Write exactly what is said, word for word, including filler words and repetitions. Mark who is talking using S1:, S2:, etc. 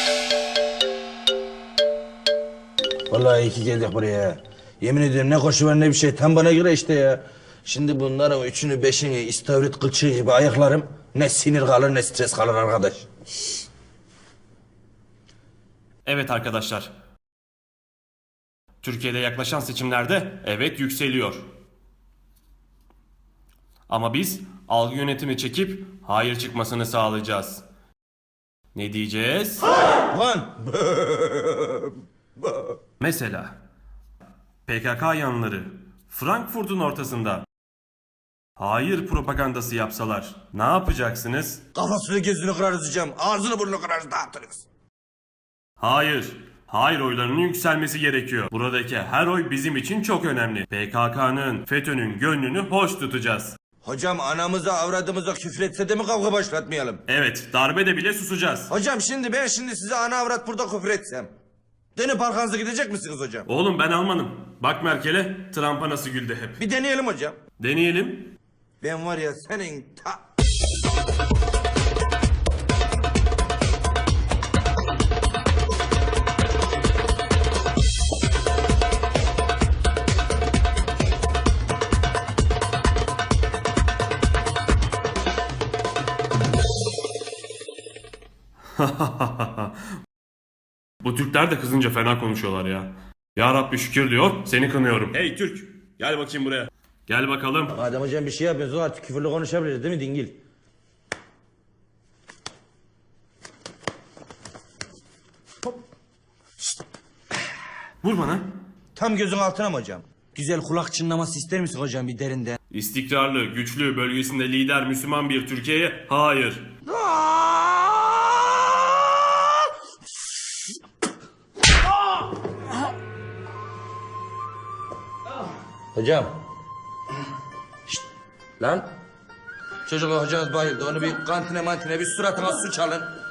S1: Vallahi iyi ki geldik buraya. Yemin ediyorum ne koşu var ne bir şey. Tam bana göre işte ya. Şimdi bunların üçünü beşini istavrit kılçığı gibi ayaklarım. Ne sinir kalır ne stres kalır arkadaş.
S2: Evet arkadaşlar. Türkiye'de yaklaşan seçimlerde evet yükseliyor. Ama biz algı yönetimi çekip hayır çıkmasını sağlayacağız. Ne diyeceğiz?
S1: Lan!
S2: Mesela P K K yanlıları Frankfurt'un ortasında hayır propagandası yapsalar ne yapacaksınız?
S1: Kafasını gözünü kırarız hocam. Ağzını burnunu kırarız dağıtırız.
S2: Hayır. Hayır oylarının yükselmesi gerekiyor. Buradaki her oy bizim için çok önemli. P K K'nın, FETÖ'nün gönlünü hoş tutacağız.
S1: Hocam anamıza avradımıza küfretse de mi kavga başlatmayalım?
S2: Evet, darbede bile susacağız.
S1: Hocam şimdi ben şimdi size ana avrat burada küfür etsem. Dönüp arkanıza gidecek misiniz hocam?
S2: Oğlum ben Almanım. Bak Merkel'e, Trump'a nasıl güldü hep.
S1: Bir deneyelim hocam.
S2: Deneyelim.
S1: Ben var ya senin ta...
S2: Bu Türkler de kızınca fena konuşuyorlar ya. Ya Rabbi şükür diyor, seni kınıyorum. Hey Türk, gel bakayım buraya. Gel bakalım.
S1: Madem hocam bir şey yapıyorsunuz artık küfürlü konuşabiliriz değil mi dingil?
S2: Vur bana.
S1: Tam gözün altına mı hocam? Güzel kulak çınlaması ister misin hocam bir derinden?
S2: İstikrarlı, güçlü, bölgesinde lider Müslüman bir Türkiye'ye hayır.
S1: Hocam. Şşt. Lan. Çocuklar hocanız bayıldı. Onu bir kantine mantine bir suratına su çalın.